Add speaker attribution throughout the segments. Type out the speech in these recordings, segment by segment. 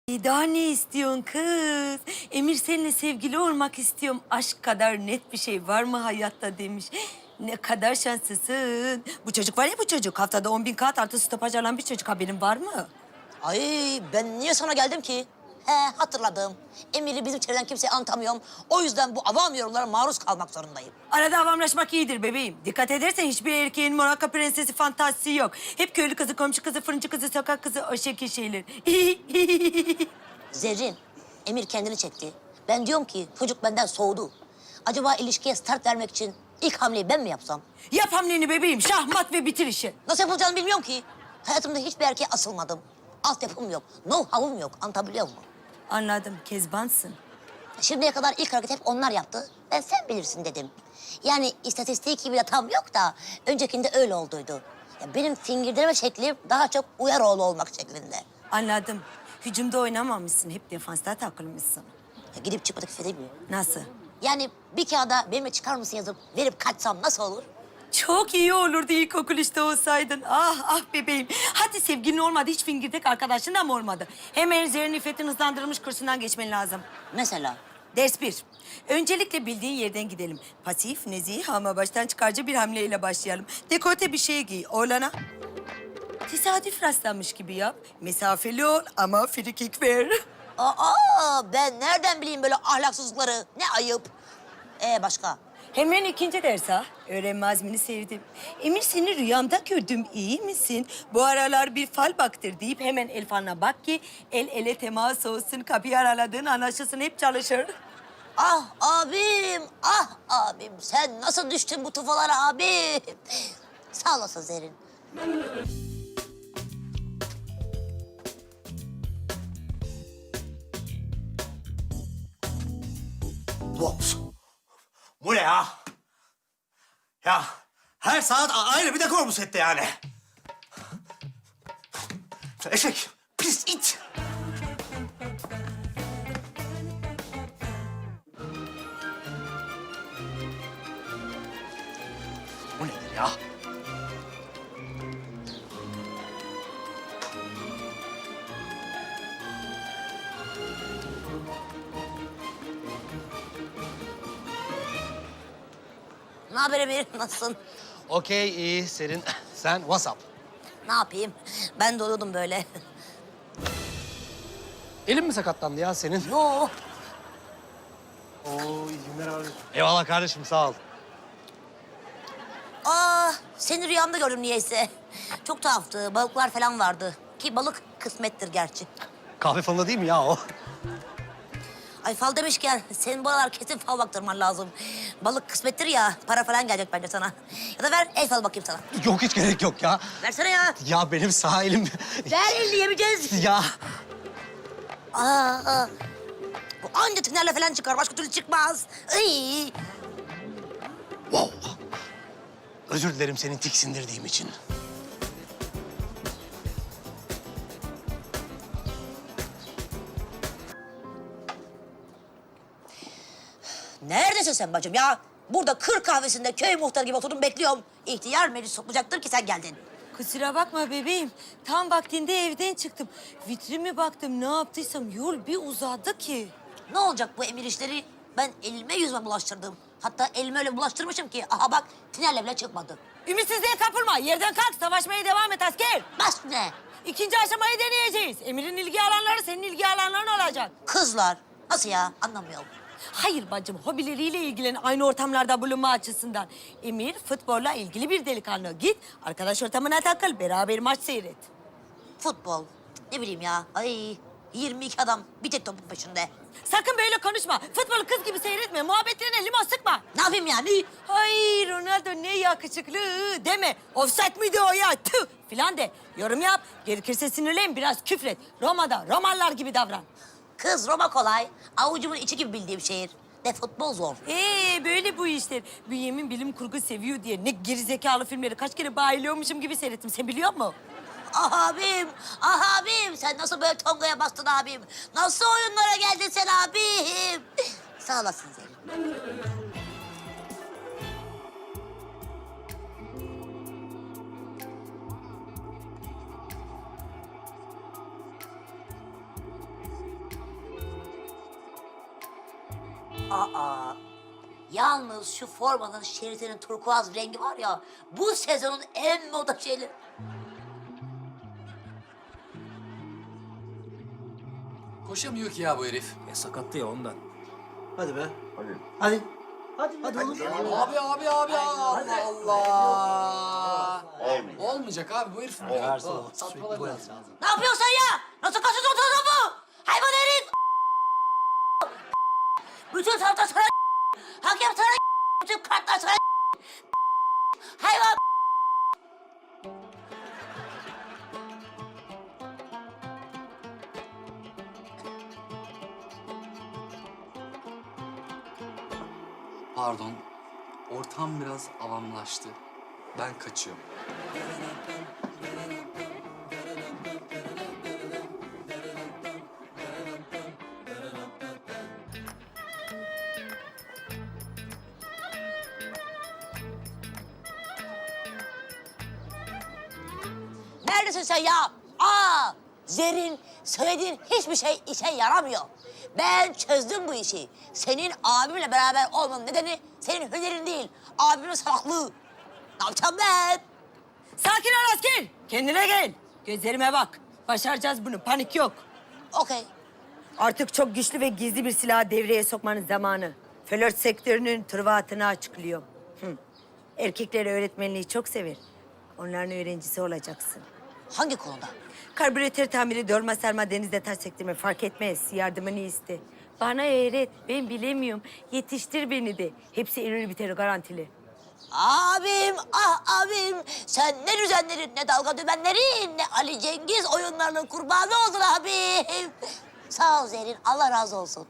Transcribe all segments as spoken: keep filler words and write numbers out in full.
Speaker 1: Daha ne istiyorsun kız? Emir seninle sevgili olmak istiyorum. Aşk kadar net bir şey var mı hayatta demiş. Ne kadar şanslısın. Bu çocuk var ya bu çocuk. Haftada on bin kağıt artı stopaj alan bir çocuk. Haberin var mı?
Speaker 2: Ay ben niye sana geldim ki? He hatırladım. Emir'i bizim çevreden kimseye anlatamıyorum. O yüzden bu avam yorumlara maruz kalmak zorundayım.
Speaker 1: Arada avamlaşmak iyidir bebeğim. Dikkat edersen hiçbir erkeğin Monaco prensesi fantazisi yok. Hep köylü kızı, komşu kızı, fırıncı kızı, sokak kızı o şekil şeyler.
Speaker 2: Zerrin, Emir kendini çekti. Ben diyorum ki çocuk benden soğudu. Acaba ilişkiye start vermek için ilk hamleyi ben mi yapsam?
Speaker 1: Yap hamleni bebeğim. Şahmat ve bitir işi.
Speaker 2: Nasıl yapılacağını bilmiyorum ki. Hayatımda hiçbir erkeğe asılmadım. Altyapım yok, know-how'um yok. Anlatabiliyor muyum?
Speaker 1: Anladım. Kezbansın.
Speaker 2: Şimdiye kadar ilk hareket hep onlar yaptı. Ben sen bilirsin dedim. Yani istatistik gibi de tam yok da öncekinde öyle olduydu. Ya benim fingirdeleme şeklim daha çok Uyaroğlu olmak şeklinde.
Speaker 1: Anladım. Hücumda oynamamışsın. Hep defansta takılmışsın.
Speaker 2: Ya gidip çıkmadık fede mi?
Speaker 1: Nasıl?
Speaker 2: Yani bir kağıda benimle çıkar mısın yazıp verip kaçsam nasıl olur?
Speaker 1: Çok iyi olurdu ilkokul işte olsaydın. Ah ah bebeğim. Hadi sevgilin olmadı, hiç fingirdek arkadaşın da mı olmadı? Hemen Zerrin İffet'in hızlandırılmış kursundan geçmen lazım.
Speaker 2: Mesela?
Speaker 1: Ders bir. Öncelikle bildiğin yerden gidelim. Pasif, nezih ama baştan çıkarcı bir hamleyle başlayalım. Dekolte bir şey giy. Oğlana tesadüf rastlanmış gibi yap. Mesafeli ol ama frikik ver.
Speaker 2: Aa ben nereden bileyim böyle ahlaksızlıkları? Ne ayıp. Ee başka?
Speaker 1: Hemen ikinci ders ha. Öğrenme azmini sevdim. Emir seni rüyamda gördüm. İyi misin? Bu aralar bir fal baktır deyip hemen el falına bak ki el ele temas olsun. Kapıyı araladığın anlaşılsın, hep çalışır.
Speaker 2: Ah abim, ah abim. Sen nasıl düştün bu tufalara abim? Sağ olasın Zerrin.
Speaker 3: Boks. Bu ne ya? Ya her saat a- ayrı bir dekor bu sette yani. Eşek, pis it. Bu nedir ya?
Speaker 2: Ne haber Emir? Nasılsın?
Speaker 4: Okey, iyi. Serin. Sen WhatsApp.
Speaker 2: Ne yapayım? Ben de oluyordum böyle.
Speaker 4: Elin mi sakatlandı ya senin?
Speaker 2: Yo.
Speaker 4: Oo, iyi günler abi. Eyvallah kardeşim, sağ ol.
Speaker 2: Aa, seni rüyamda gördüm niyeyse. Çok tuhaftı. Balıklar falan vardı. Ki balık kısmettir gerçi.
Speaker 4: Kahve falında değil mi ya o?
Speaker 2: Ay fal demişken senin bu aralar kesin fal baktırman lazım. Balık kısmettir ya, para falan gelecek bence sana. Ya da ver el fal bakayım sana.
Speaker 4: Yok, hiç gerek yok ya.
Speaker 2: Versene ya.
Speaker 4: Ya benim sağ elim...
Speaker 2: Ver elini yemeyeceğiz.
Speaker 4: Ya
Speaker 2: Aa, bu anca tünerle falan çıkar, başka türlü çıkmaz. Ay.
Speaker 4: wow. Özür dilerim seni tiksindirdiğim için.
Speaker 2: Neredesin sen bacım ya? Burada kır kahvesinde köy muhtarı gibi oturdum bekliyorum. İhtiyar meclis toplayacaktır ki sen geldin.
Speaker 1: Kusura bakma bebeğim. Tam vaktinde evden çıktım. Vitrime baktım, ne yaptıysam yol bir uzadı ki.
Speaker 2: Ne olacak bu emir işleri? Ben elime yüzme bulaştırdım. Hatta elime öyle bulaştırmışım ki aha bak tinerle bile çıkmadı.
Speaker 1: Ümitsizliğe kapılma. Yerden kalk. Savaşmaya devam et asker.
Speaker 2: Bas ne?
Speaker 1: İkinci aşamayı deneyeceğiz. Emir'in ilgi alanları senin ilgi alanların olacak.
Speaker 2: Kızlar. Nasıl ya? Anlamıyorum.
Speaker 1: Hayır bacım, hobileriyle ilgilen, aynı ortamlarda bulunma açısından. Emir futbolla ilgili bir delikanlı. Git arkadaş ortamına takıl, beraber maç seyret.
Speaker 2: Futbol. Ne bileyim ya. Ay yirmi iki adam bir tek topun peşinde.
Speaker 1: Sakın böyle konuşma. Futbolu kız gibi seyretme. Muhabbetlerine limon sıkma.
Speaker 2: Ne yapayım yani?
Speaker 1: Ay Ronaldo ne yakışıklı deme. Offside miydi o ya? Tüh filan de. Yorum yap. Gerekirse sinirlen, biraz küfret. Roma'da Romalılar gibi davran.
Speaker 2: Kız Roma kolay. Avucumun içi gibi bildiğim şehir. De futbol zor.
Speaker 1: Ee böyle bu işler. Bünyamin bilim kurgu seviyor diye ne gerizekalı filmleri kaç kere bayılıyormuşum gibi seyrettim. Sen biliyor musun?
Speaker 2: Ah abim, ah abim. Sen nasıl böyle tongaya bastın abim? Nasıl oyunlara geldin sen abim? Sağ olasın Zerrin. Aa, yalnız şu formanın şeritinin turkuaz rengi var ya, bu sezonun en moda şeyleri.
Speaker 5: Koşamıyor ki ya bu herif.
Speaker 3: Ya sakattı ya ondan. Hadi be. Hadi. Hadi. Hadi, hadi oğlum.
Speaker 5: Abi abi abi Allah Allah. Olmayacak abi bu herif. Ya. Satmaları lazım.
Speaker 2: Ne yapıyorsun ya? Nasıl kaçıyorsun topu? Hayvan herif! Bütün taraftar sana hakem sana bütün kartlar sana hayvan!
Speaker 5: Pardon. Ortam biraz avamlaştı. Ben kaçıyorum.
Speaker 2: Neredesin sen ya? Aa! Zerrin, söylediğin hiçbir şey işe yaramıyor. Ben çözdüm bu işi. Senin abimle beraber olmanın nedeni senin hünerin değil, abimin salaklığı. Ne yapacağım ben?
Speaker 1: Sakin ol asker. Kendine gel. Gözlerime bak. Başaracağız bunu. Panik yok.
Speaker 2: Okey.
Speaker 1: Artık çok güçlü ve gizli bir silahı devreye sokmanın zamanı. Flört sektörünün tırvatını açıklıyor. Hı. Erkekler öğretmenliği çok sever. Onların öğrencisi olacaksın.
Speaker 2: Hangi konuda?
Speaker 1: Karbüratör tamiri, dolma sarma, denizde taş sektirme fark etmez. Yardımını iste. Bana öğret. Ben bilemiyorum. Yetiştir beni de. Hepsi erir biter garantili.
Speaker 2: Abim, ah abim. Sen ne düzenlerin, ne dalga dümenlerin, ne Ali Cengiz oyunlarının kurbanı oldun abim. Sağ ol Zerrin, Allah razı olsun.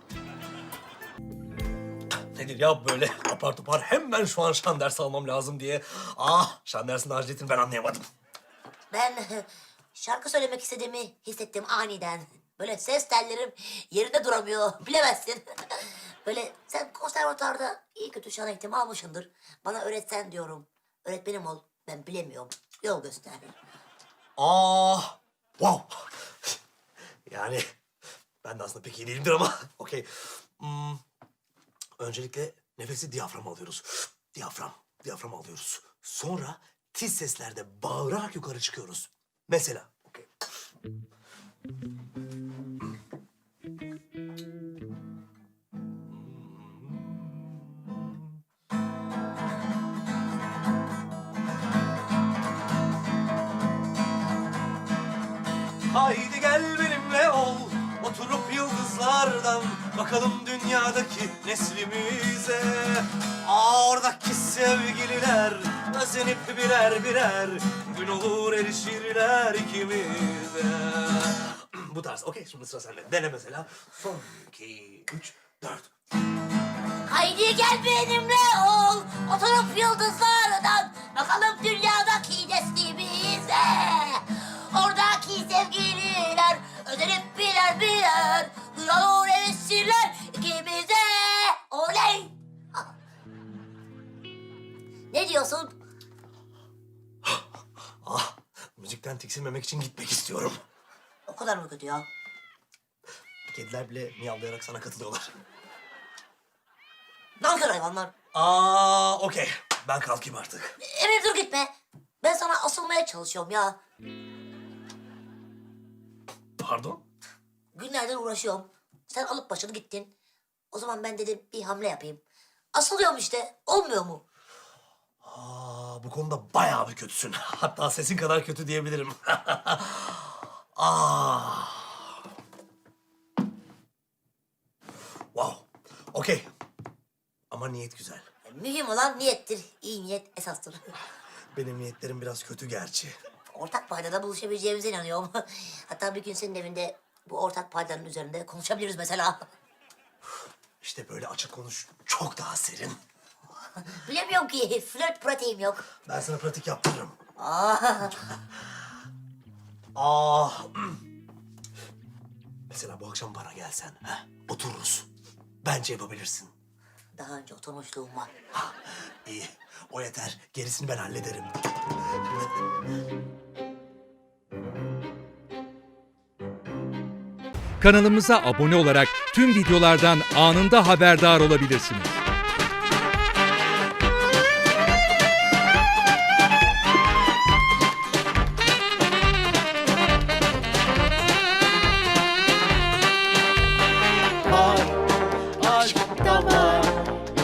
Speaker 3: Nedir ya böyle apar topar hemen şu an şan dersi almam lazım diye. Ah şan dersinin aciliyetini ben anlayamadım.
Speaker 2: Ben şarkı söylemek istediğimi hissettim aniden. Böyle ses tellerim yerinde duramıyor, bilemezsin. Böyle sen konservatuarda iyi kötü şan eğitimi almışsındır. Bana öğretsen diyorum. Öğretmenim ol, ben bilemiyorum. Yol göster.
Speaker 3: Ah wow. Yani ben de aslında pek iyi değilimdir ama okey. Hmm, öncelikle nefesi diyaframa alıyoruz. Diyafram, diyafram alıyoruz. Sonra tiz seslerde bağırarak yukarı çıkıyoruz. Mesela, okey. Haydi gel benimle ol, oturup yıldızlardan bakalım dünyadaki neslimize. Aa, oradaki sevgililer özenip birer birer gün olur erişirler ikimize. Bu tarz, okey şimdi sıra sende. Dene mesela. Son iki, üç, dört.
Speaker 2: Haydi gel benimle ol, oturup yıldızlardan bakalım dünyadaki neslimize. Oradaki sevgililer özenip birer birer gün olur erişirler ikimize. Oley! Ne diyorsun?
Speaker 3: Ah, müzikten tiksinmemek için gitmek istiyorum.
Speaker 2: O kadar mı kötü ya?
Speaker 3: Kediler bile miyavlayarak sana katılıyorlar.
Speaker 2: Nankör hayvanlar.
Speaker 3: Aa, okey. Ben kalkayım artık.
Speaker 2: Emir dur gitme. Ben sana asılmaya çalışıyorum ya.
Speaker 3: Pardon?
Speaker 2: Günlerdir uğraşıyorum. Sen alıp başını gittin. O zaman ben dedim bir hamle yapayım. Asılıyorum işte. Olmuyor mu?
Speaker 3: Aa, bu konuda bayağı bir kötüsün. Hatta sesin kadar kötü diyebilirim. Aa. Wow. Okey. Ama niyet güzel.
Speaker 2: Mühim olan niyettir. İyi niyet esastır.
Speaker 3: Benim niyetlerim biraz kötü gerçi.
Speaker 2: Ortak paydada buluşabileceğimize inanıyorum. Hatta bir gün senin evinde bu ortak paydanın üzerinde konuşabiliriz mesela.
Speaker 3: İşte böyle açık konuş çok daha serin.
Speaker 2: Bilemiyorum ki. Flört pratiğim yok.
Speaker 3: Ben sana pratik yaptırırım.
Speaker 2: Aa,
Speaker 3: Aa. Mesela bu akşam bana gelsen, ha? Otururuz. Bence yapabilirsin.
Speaker 2: daha önce oturmuşluğum var.
Speaker 3: Ha, iyi. O yeter. Gerisini ben hallederim.
Speaker 6: Kanalımıza abone olarak tüm videolardan anında haberdar olabilirsiniz.